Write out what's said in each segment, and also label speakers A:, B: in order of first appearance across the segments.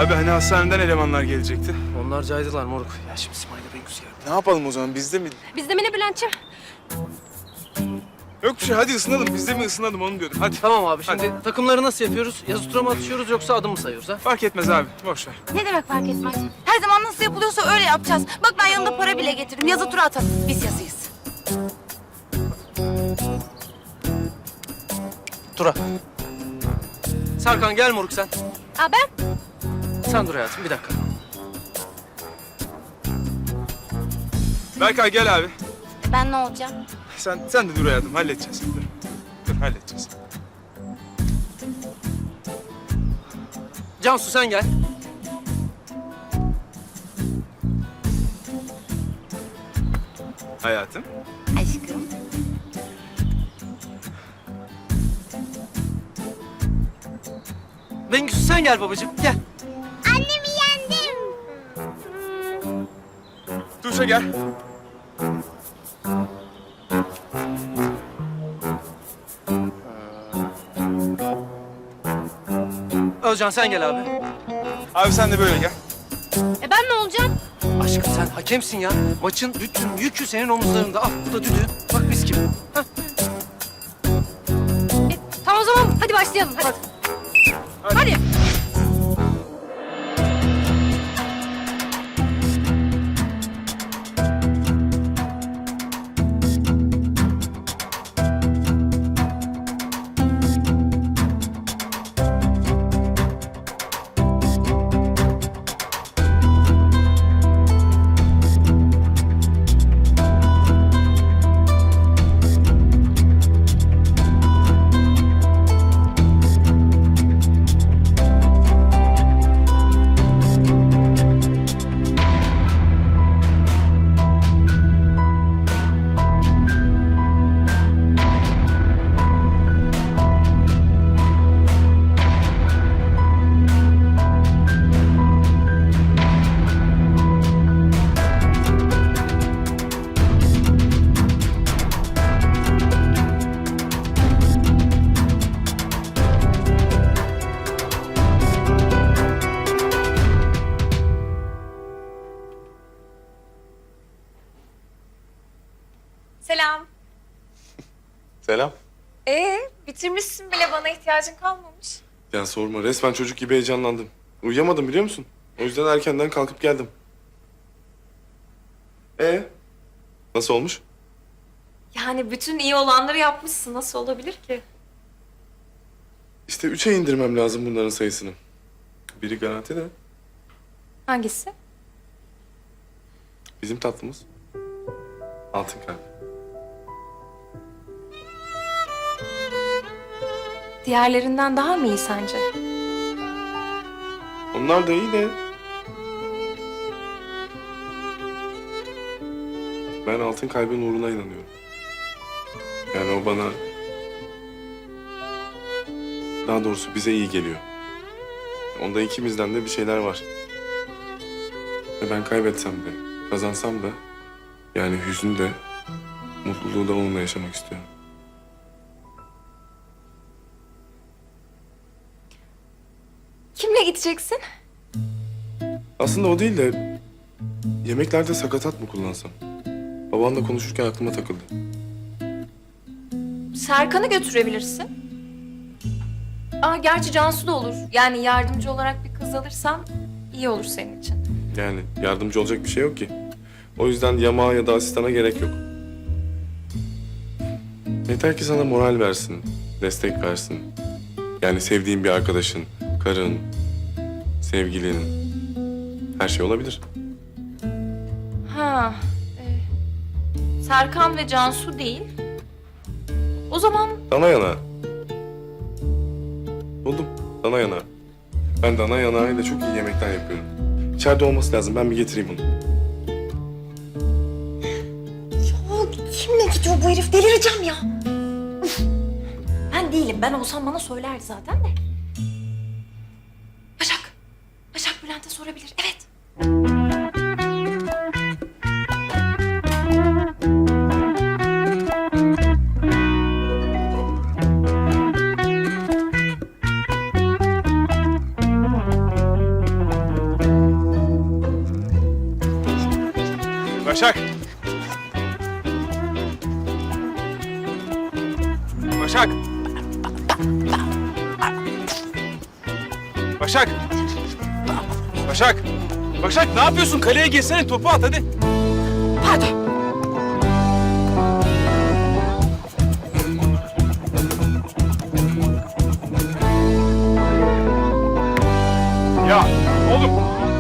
A: Abi hani hastaneden elemanlar gelecekti.
B: Onlar caydılar moruk. Ya şimdi İsmail'le Bengüs geldi.
A: Ne yapalım o zaman? Bizde mi?
C: Bizde mi ne Bülent'ciğim?
A: Yok bir şey. Hadi ısınalım. Bizde mi ısınalım onu diyordum. Hadi.
B: Tamam abi şimdi takımları nasıl yapıyoruz? Yazı tura mı atışıyoruz yoksa adım mı sayıyoruz ha?
A: Fark etmez abi. Boş ver.
C: Ne demek fark etmez? Her zaman nasıl yapılıyorsa öyle yapacağız. Bak ben yanında para bile getirdim. Yazı tura atalım. Biz yazıyız.
B: Tura. Serkan gel moruk sen.
C: Aa ben?
B: Sen dur hayatım bir dakika.
A: Berkay gel abi.
C: Ben ne olacağım?
A: Sen de dur hayatım. Halledeceğiz. Dur. Dur halledeceğiz.
B: Cansu sen gel.
A: Hayatım.
C: Aşkım.
B: Bengüs sen gel babacığım gel.
C: Annemi yendim.
A: Tuşa gel.
B: Özcan sen gel abi.
A: Abi sen de böyle gel.
C: Ben ne olacağım?
B: Aşkım sen hakemsin ya. Maçın bütün yükü senin omuzlarında. Al bu da düdüğü. Bak mis gibi. Hah.
C: Tamam o zaman hadi başlayalım. Hadi. Hadi.
D: Selam.
E: Selam.
D: Bitirmişsin bile, bana ihtiyacın kalmamış.
E: Ya sorma, resmen çocuk gibi heyecanlandım. Uyuyamadım biliyor musun? O yüzden erkenden kalkıp geldim. Nasıl olmuş?
D: Yani bütün iyi olanları yapmışsın. Nasıl olabilir ki?
E: İşte 3'e indirmem lazım bunların sayısını. Biri garanti de
D: Hangisi?
E: bizim tatlımız. Altın kalp.
D: Diğerlerinden daha mı iyi sence?
E: Onlar da iyi de... Ben altın kalbin uğruna inanıyorum. Yani o bana... Daha doğrusu bize iyi geliyor. Onda ikimizden de bir şeyler var. Ve ben kaybetsem de, kazansam da... Yani hüznü de, mutluluğu da onunla yaşamak istiyorum.
D: Kimle gideceksin?
E: Aslında o değil de... Yemeklerde sakatat mı kullansam? Babanla konuşurken aklıma takıldı.
D: Serkan'ı götürebilirsin. Gerçi Cansu da olur. Yani yardımcı olarak bir kız alırsan iyi olur senin için.
E: Yani yardımcı olacak bir şey yok ki. O yüzden yamağa ya da asistana gerek yok. Yeter ki sana moral versin, destek versin. Yani sevdiğin bir arkadaşın, karın, sevgilin, her şey olabilir.
D: Serkan ve Cansu değil. O zaman
E: Dana yanağı. Buldum, dana yanağı. Ben dana yanağıyla çok iyi yemekler yapıyorum. İçeride olması lazım, ben bir getireyim onu.
C: Kimle gidiyor bu herif? Delireceğim ya. Ben değilim. Ben olsam bana söylerdi zaten de.
D: Başak. Başak Bülent'e sorabilir. Evet.
A: Başak. Başak. Başak. Başak. Başak ne yapıyorsun? Kaleye girsene, topu at hadi.
C: Pardon.
A: Ya oğlum.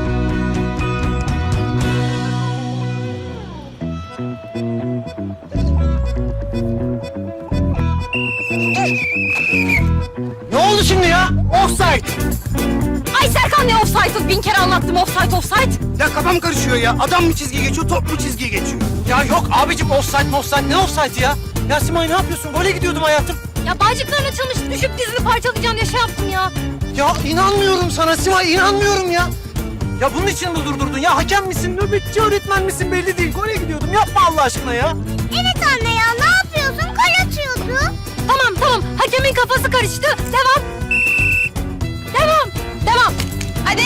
B: Ne oldu şimdi ya? Offside.
C: Ay Serkan ne offside'ı? Bin kere anlattım offside.
B: Ya kafam karışıyor ya. Adam mı çizgiye geçiyor, top mu çizgiye geçiyor? Ya yok abicim offside. Ne offside ya? Ya Simay ne yapıyorsun? Gole gidiyordum hayatım.
C: Ya bağcıkların açılmış. Düşüp dizini parçalayacağım diye şey yaptım ya.
B: Ya inanmıyorum sana Simay, inanmıyorum ya. Ya bunun için mi durdurdun ya? Hakem misin, nöbetçi öğretmen misin belli değil. Gole gidiyordum. Yapma Allah aşkına ya.
C: Evet anne ya ne yapıyorsun? Kale atıyordu. Tamam. Hakemin kafası karıştı. Devam. Hadi.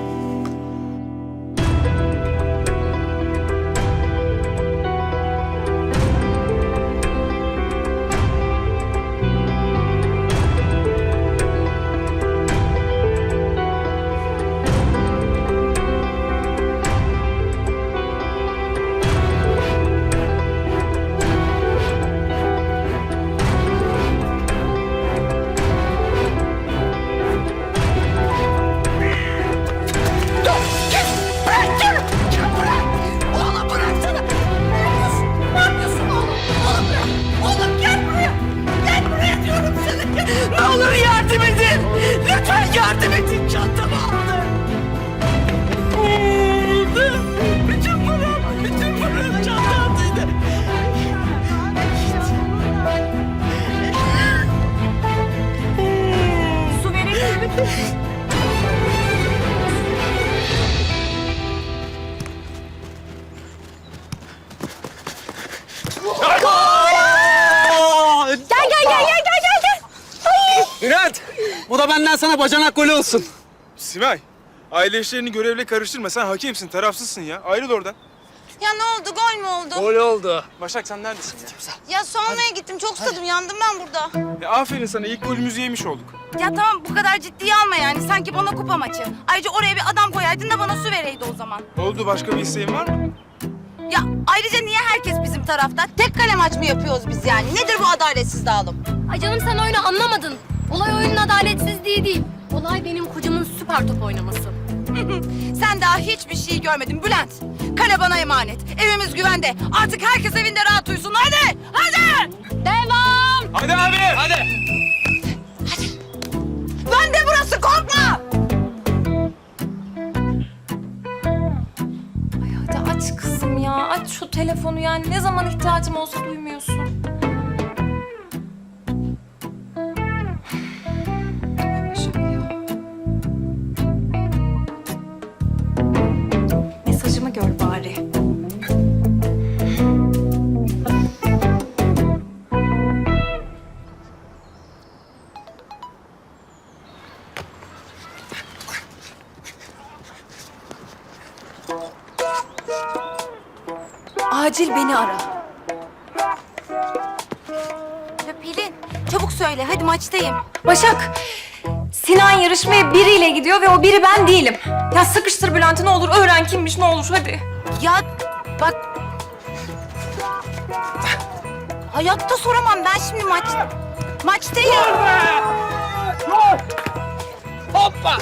B: Ne olur yardım edin. Lütfen yardım edin. Çantamı aldı. Aldı. Bütün param çantamdaydı.
C: Su verebilir misin? Gel.
B: Bülent, bu da benden sana bacanak golü olsun.
A: Simay, aile işlerini görevle karıştırma. Sen hakemsin, tarafsızsın ya. Ayrıl oradan.
C: Ya ne oldu? Gol mü oldu?
B: Gol oldu.
A: Başak sen neredesin ya?
C: Ya su almaya gittim. Çok susadım. Yandım ben burada.
A: Aferin sana, ilk golümüzü yemiş olduk.
C: Ya tamam bu kadar ciddiye alma yani. Sanki bana kupa maçı. Ayrıca oraya bir adam koyaydın da bana su vereydi o zaman.
A: Oldu, başka bir isteğin var mı?
C: Ya ayrıca niye herkes bizim tarafta? Tek kale maç mı yapıyoruz biz yani? Nedir bu adaletsiz dağılım?
F: Ay canım sen oyunu anlamadın. Olay oyunun adaletsizliği değil. Olay benim kocamın süper top oynaması.
C: Sen daha hiçbir şey görmedin Bülent. Kale bana emanet. Evimiz güvende. Artık herkes evinde rahat uyusun. Hadi!
F: Devam!
A: Hadi abi! Hadi!
C: Ben de burası korkma!
D: Ay hadi aç kızım ya. Aç şu telefonu yani. Ne zaman ihtiyacım olsa duymuyorsun. Başak ya. Mesajımı gör bari. Acil beni ara.
C: Ya Pelin, çabuk söyle. Hadi maçtayım.
D: Başak, Sinan yarışmaya biriyle gidiyor ve o biri ben değilim. Ya sıkıştır Bülent'i ne olur, öğren kimmiş ne olur hadi.
C: Ya bak... Hayatta soramam. Ben şimdi maçtayım.
B: Hoppa.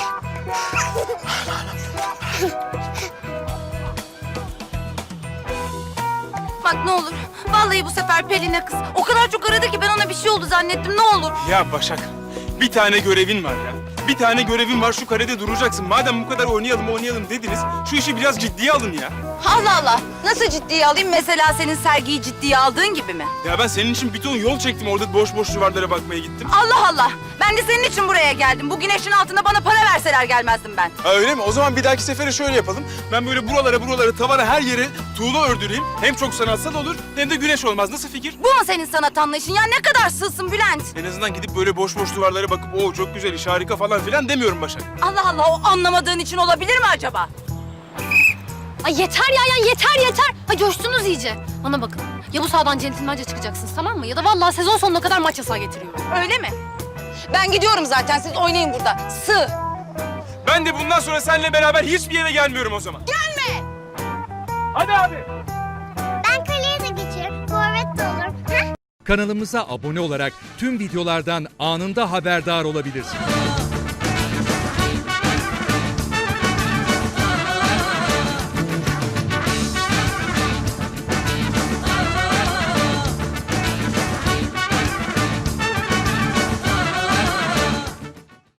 C: Bak ne olur. Vallahi bu sefer Pelin'e kız. O kadar çok aradı ki ben ona bir şey oldu zannettim. Ne olur.
A: Ya Başak, bir tane görevin var ya. Bir tane görevin var, şu karede duracaksın. Madem bu kadar oynayalım dediniz, şu işi biraz ciddiye alın ya.
C: Allah Allah. Nasıl ciddiye alayım? Mesela senin sergiyi ciddiye aldığın gibi mi?
A: Ya ben senin için bir ton yol çektim, orada boş boş duvarlara bakmaya gittim.
C: Allah Allah. Ben de senin için buraya geldim. Bu güneşin altında bana para verseler gelmezdim ben.
A: Ha öyle mi? O zaman bir dahaki sefere şöyle yapalım. Ben böyle buralara, tavana her yere tuğla ördüreyim. Hem çok sanatsal olur, hem de güneş olmaz. Nasıl fikir?
C: Bu mu senin sanat anlayışın? Ya ne kadar sığsın Bülent.
A: En azından gidip böyle boş boş duvarlara bakıp o çok güzel iş, harika falan filan demiyorum Başak.
C: Allah Allah, o anlamadığın için olabilir mi acaba?
F: Ay yeter ya yeter. Ay coştunuz iyice. Bana bakın. Ya bu sahadan centilmence çıkacaksınız tamam mı? Ya da vallahi sezon sonuna kadar maç yasağı getiriyorum.
C: Öyle mi? Ben gidiyorum zaten. Siz oynayın burada. Sığ.
A: Ben de bundan sonra seninle beraber hiçbir yere gelmiyorum o zaman.
C: Gelme.
A: Hadi abi.
G: Ben kaleye de geçerim. Forvet de olurum.
H: Kanalımıza abone olarak tüm videolardan anında haberdar olabilirsiniz.